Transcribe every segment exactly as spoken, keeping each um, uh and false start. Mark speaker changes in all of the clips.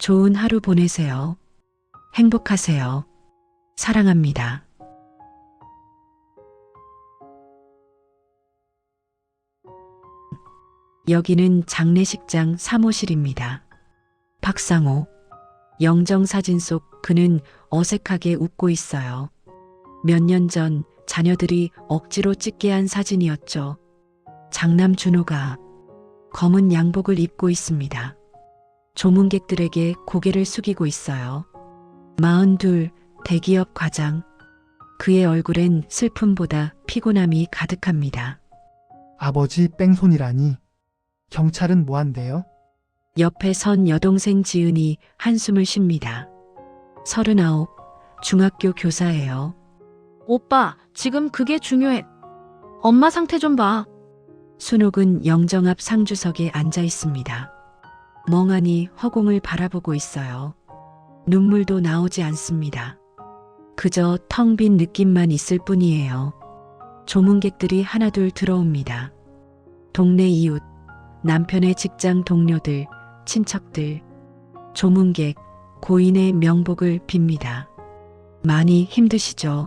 Speaker 1: 좋은 하루 보내세요. 행복하세요. 사랑합니다. 여기는 장례식장 사무실입니다. 박상호. 영정사진 속 그는 어색하게 웃고 있어요. 몇 년 전 자녀들이 억지로 찍게 한 사진이었죠. 장남 준호가 검은 양복을 입고 있습니다. 조문객들에게 고개를 숙이고 있어요. 마흔둘 대기업 과장. 그의 얼굴엔 슬픔보다 피곤함이 가득합니다.
Speaker 2: 아버지 뺑손이라니. 경찰은 뭐한대요?
Speaker 1: 옆에 선 여동생 지은이 한숨을 쉽니다. 서른아홉, 중학교 교사예요.
Speaker 3: 오빠, 지금 그게 중요해. 엄마 상태 좀 봐.
Speaker 1: 순옥은 영정 앞 상주석에 앉아 있습니다. 멍하니 허공을 바라보고 있어요. 눈물도 나오지 않습니다. 그저 텅 빈 느낌만 있을 뿐이에요. 조문객들이 하나둘 들어옵니다. 동네 이웃, 남편의 직장 동료들, 친척들, 조문객, 고인의 명복을 빕니다. 많이 힘드시죠?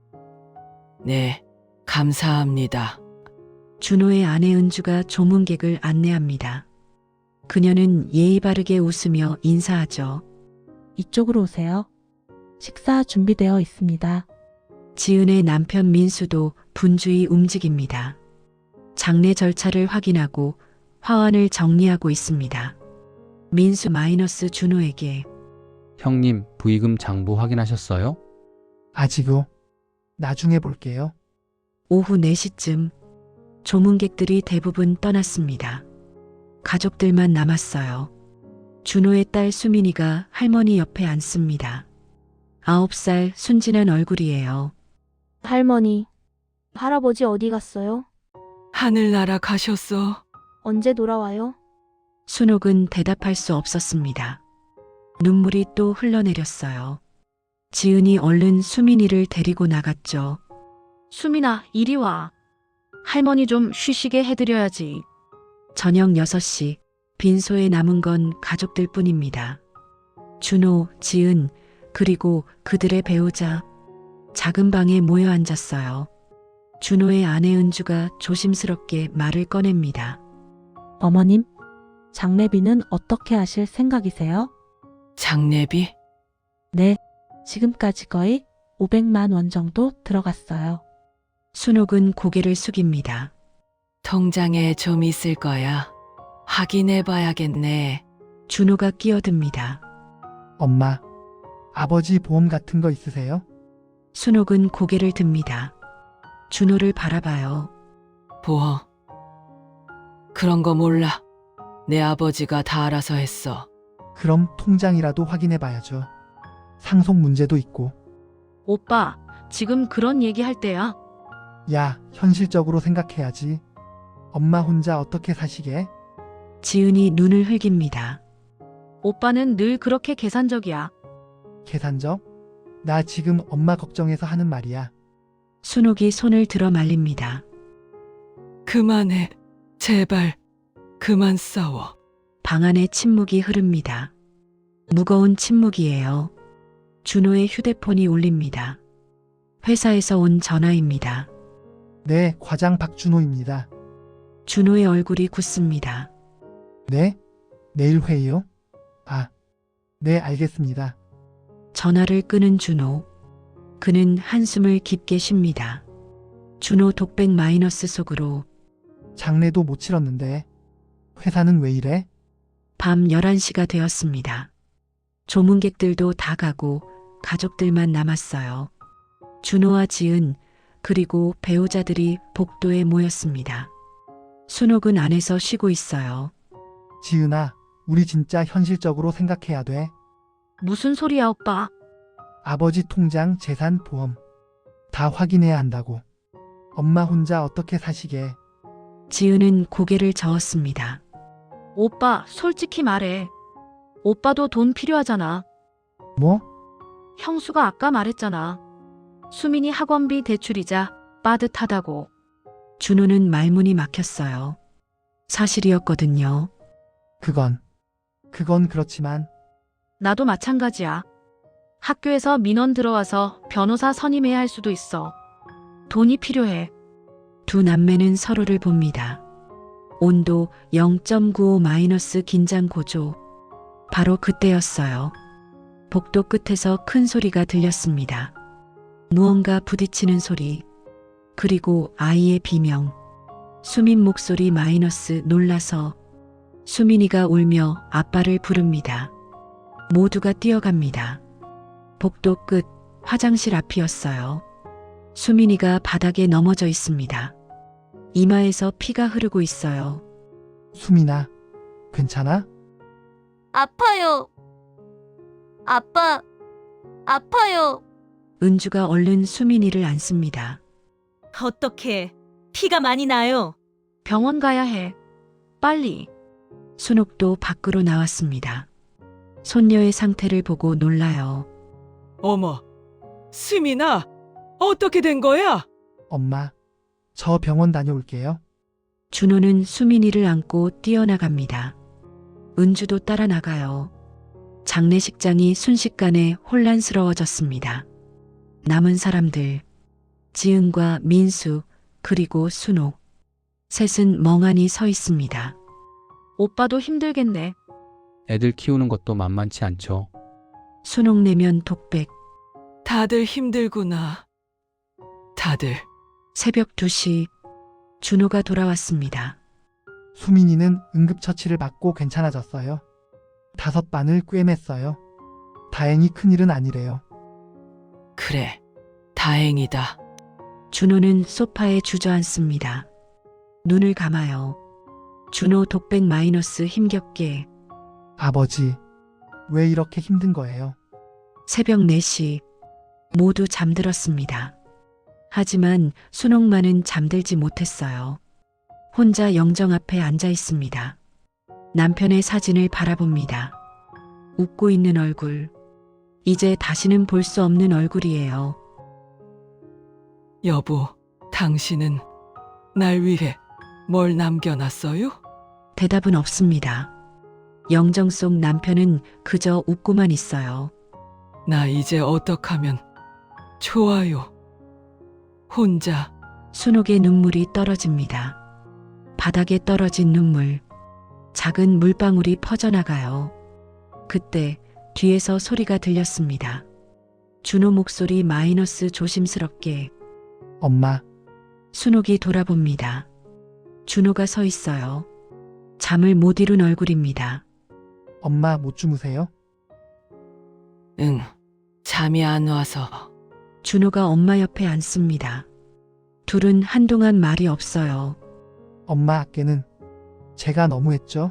Speaker 4: 네, 감사합니다.
Speaker 1: 준호의 아내 은주가 조문객을 안내합니다. 그녀는 예의 바르게 웃으며 인사하죠.
Speaker 5: 이쪽으로 오세요. 식사 준비되어 있습니다.
Speaker 1: 지은의 남편 민수도 분주히 움직입니다. 장례 절차를 확인하고 화환을 정리하고 있습니다. 민수 마이너스 준호에게
Speaker 6: 형님, 부의금 장부 확인하셨어요?
Speaker 2: 아직요. 나중에 볼게요.
Speaker 1: 오후 네 시쯤 조문객들이 대부분 떠났습니다. 가족들만 남았어요. 준호의 딸 수민이가 할머니 옆에 앉습니다. 아홉 살 순진한 얼굴이에요.
Speaker 7: 할머니, 할아버지 어디 갔어요?
Speaker 4: 하늘나라 가셨어.
Speaker 7: 언제 돌아와요?
Speaker 1: 순옥은 대답할 수 없었습니다. 눈물이 또 흘러내렸어요. 지은이 얼른 수민이를 데리고 나갔죠.
Speaker 3: 수민아, 이리 와. 할머니 좀 쉬시게 해드려야지.
Speaker 1: 저녁 여섯 시 빈소에 남은 건 가족들 뿐입니다. 준호, 지은, 그리고 그들의 배우자. 작은 방에 모여 앉았어요. 준호의 아내 은주가 조심스럽게 말을 꺼냅니다.
Speaker 5: 어머님, 장례비는 어떻게 하실 생각이세요?
Speaker 4: 장례비?
Speaker 5: 네, 지금까지 거의 오백만 원 정도 들어갔어요.
Speaker 1: 순옥은 고개를 숙입니다.
Speaker 4: 통장에 좀 있을 거야. 확인해 봐야겠네.
Speaker 1: 준호가 끼어듭니다.
Speaker 2: 엄마, 아버지 보험 같은 거 있으세요?
Speaker 1: 순옥은 고개를 듭니다. 준호를 바라봐요.
Speaker 4: 보험. 그런 거 몰라. 내 아버지가 다 알아서 했어.
Speaker 2: 그럼 통장이라도 확인해 봐야죠. 상속 문제도 있고.
Speaker 3: 오빠, 지금 그런 얘기 할 때야?
Speaker 2: 야, 현실적으로 생각해야지. 엄마 혼자 어떻게 사시게?
Speaker 1: 지은이 눈을 흘깁니다.
Speaker 3: 오빠는 늘 그렇게 계산적이야.
Speaker 2: 계산적? 나 지금 엄마 걱정해서 하는 말이야.
Speaker 1: 순옥이 손을 들어 말립니다.
Speaker 4: 그만해. 제발. 그만 싸워.
Speaker 1: 방 안에 침묵이 흐릅니다. 무거운 침묵이에요. 준호의 휴대폰이 울립니다. 회사에서 온 전화입니다.
Speaker 2: 네, 과장 박준호입니다.
Speaker 1: 준호의 얼굴이 굳습니다.
Speaker 2: 네? 내일 회의요? 아, 네, 알겠습니다.
Speaker 1: 전화를 끄는 준호. 그는 한숨을 깊게 쉽니다. 준호 독백 마이너스 속으로
Speaker 2: 장례도 못 치렀는데 회사는 왜 이래?
Speaker 1: 밤 열한 시가 되었습니다. 조문객들도 다 가고 가족들만 남았어요. 준호와 지은 그리고 배우자들이 복도에 모였습니다. 순옥은 안에서 쉬고 있어요.
Speaker 2: 지은아, 우리 진짜 현실적으로 생각해야 돼.
Speaker 3: 무슨 소리야, 오빠?
Speaker 2: 아버지 통장, 재산, 보험 다 확인해야 한다고. 엄마 혼자 어떻게 사시게.
Speaker 1: 지은은 고개를 저었습니다.
Speaker 3: 오빠, 솔직히 말해. 오빠도 돈 필요하잖아.
Speaker 2: 뭐?
Speaker 3: 형수가 아까 말했잖아. 수민이 학원비 대출이자 빠듯하다고.
Speaker 1: 준호는 말문이 막혔어요. 사실이었거든요.
Speaker 2: 그건, 그건 그렇지만
Speaker 3: 나도 마찬가지야. 학교에서 민원 들어와서 변호사 선임해야 할 수도 있어. 돈이 필요해.
Speaker 1: 두 남매는 서로를 봅니다. 온도 영 점 구오 마이너스 긴장 고조. 바로 그때였어요. 복도 끝에서 큰 소리가 들렸습니다. 무언가 부딪히는 소리. 그리고 아이의 비명. 수민 목소리 마이너스 놀라서 수민이가 울며 아빠를 부릅니다. 모두가 뛰어갑니다. 복도 끝 화장실 앞이었어요. 수민이가 바닥에 넘어져 있습니다. 이마에서 피가 흐르고 있어요.
Speaker 2: 수민아, 괜찮아?
Speaker 8: 아파요. 아빠, 아파요.
Speaker 1: 은주가 얼른 수민이를 안습니다.
Speaker 8: 어떡해. 피가 많이 나요.
Speaker 3: 병원 가야 해. 빨리.
Speaker 1: 순옥도 밖으로 나왔습니다. 손녀의 상태를 보고 놀라요.
Speaker 4: 어머, 수민아, 어떻게 된 거야?
Speaker 2: 엄마, 저 병원 다녀올게요.
Speaker 1: 준호는 수민이를 안고 뛰어나갑니다. 은주도 따라 나가요. 장례식장이 순식간에 혼란스러워졌습니다. 남은 사람들, 지은과 민수, 그리고 순옥. 셋은 멍하니 서 있습니다.
Speaker 3: 오빠도 힘들겠네.
Speaker 6: 애들 키우는 것도 만만치 않죠.
Speaker 1: 순옥 내면 독백.
Speaker 4: 다들 힘들구나. 다들.
Speaker 1: 새벽 두 시 준호가 돌아왔습니다.
Speaker 2: 수민이는 응급처치를 받고 괜찮아졌어요. 다섯 반을 꿰맸어요. 다행히 큰일은 아니래요.
Speaker 4: 그래, 다행이다.
Speaker 1: 준호는 소파에 주저앉습니다. 눈을 감아요. 준호 독백 마이너스 힘겹게.
Speaker 2: 아버지, 왜 이렇게 힘든 거예요?
Speaker 1: 새벽 네 시 모두 잠들었습니다. 하지만 순옥만은 잠들지 못했어요. 혼자 영정 앞에 앉아 있습니다. 남편의 사진을 바라봅니다. 웃고 있는 얼굴. 이제 다시는 볼 수 없는 얼굴이에요.
Speaker 4: 여보, 당신은 날 위해 뭘 남겨놨어요?
Speaker 1: 대답은 없습니다. 영정 속 남편은 그저 웃고만 있어요.
Speaker 4: 나 이제 어떡하면 좋아요. 혼자.
Speaker 1: 순옥의 눈물이 떨어집니다. 바닥에 떨어진 눈물. 작은 물방울이 퍼져나가요. 그때 뒤에서 소리가 들렸습니다. 준호 목소리 마이너스 조심스럽게.
Speaker 2: 엄마,
Speaker 1: 순옥이 돌아봅니다. 준호가 서 있어요. 잠을 못 이룬 얼굴입니다.
Speaker 2: 엄마 못 주무세요?
Speaker 4: 응, 잠이 안 와서.
Speaker 1: 준호가 엄마 옆에 앉습니다. 둘은 한동안 말이 없어요.
Speaker 2: 엄마 아께는 제가 너무했죠?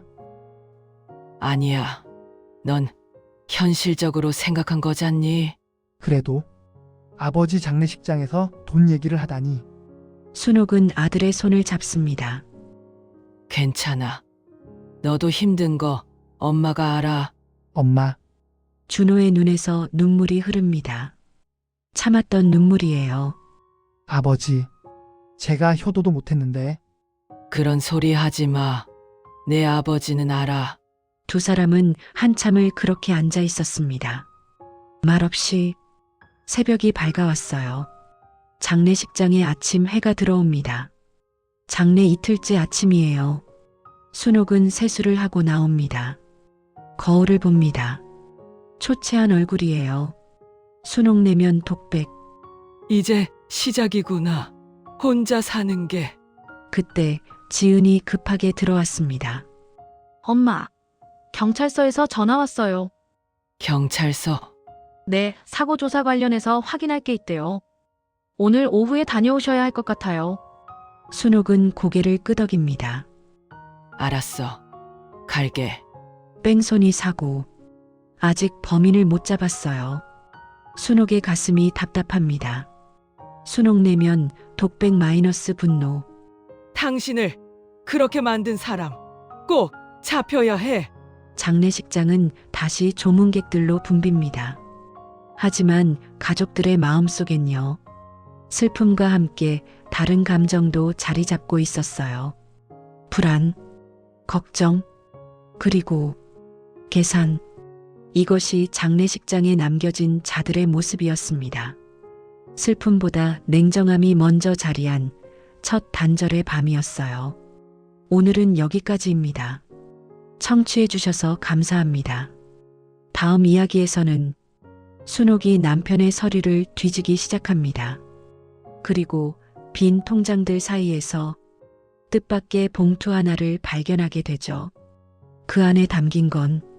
Speaker 4: 아니야. 넌 현실적으로 생각한 거잖니?
Speaker 2: 그래도 아버지 장례식장에서 돈 얘기를 하다니.
Speaker 1: 순옥은 아들의 손을 잡습니다.
Speaker 4: 괜찮아. 너도 힘든 거 엄마가 알아.
Speaker 2: 엄마,
Speaker 1: 준호의 눈에서 눈물이 흐릅니다. 참았던 눈물이에요.
Speaker 2: 아버지, 제가 효도도 못했는데.
Speaker 4: 그런 소리 하지 마. 내 아버지는 알아.
Speaker 1: 두 사람은 한참을 그렇게 앉아 있었습니다. 말없이. 새벽이 밝아왔어요. 장례식장에 아침 해가 들어옵니다. 장례 이틀째 아침이에요. 순옥은 세수를 하고 나옵니다. 거울을 봅니다. 초췌한 얼굴이에요. 순옥 내면 독백.
Speaker 4: 이제 시작이구나. 혼자 사는 게.
Speaker 1: 그때 지은이 급하게 들어왔습니다.
Speaker 3: 엄마, 경찰서에서 전화 왔어요.
Speaker 4: 경찰서.
Speaker 3: 네, 사고 조사 관련해서 확인할 게 있대요. 오늘 오후에 다녀오셔야 할 것 같아요.
Speaker 1: 순옥은 고개를 끄덕입니다.
Speaker 4: 알았어. 갈게.
Speaker 1: 뺑소니 사고. 아직 범인을 못 잡았어요. 순옥의 가슴이 답답합니다. 순옥 내면 독백 마이너스 분노.
Speaker 4: 당신을 그렇게 만든 사람 꼭 잡혀야 해.
Speaker 1: 장례식장은 다시 조문객들로 붐빕니다. 하지만 가족들의 마음속엔요. 슬픔과 함께 다른 감정도 자리 잡고 있었어요. 불안, 걱정, 그리고 계산. 이것이 장례식장에 남겨진 자들의 모습이었습니다. 슬픔보다 냉정함이 먼저 자리한 첫 단절의 밤이었어요. 오늘은 여기까지입니다. 청취해주셔서 감사합니다. 다음 이야기에서는 순옥이 남편의 서류를 뒤지기 시작합니다. 그리고 빈 통장들 사이에서 뜻밖의 봉투 하나를 발견하게 되죠. 그 안에 담긴 건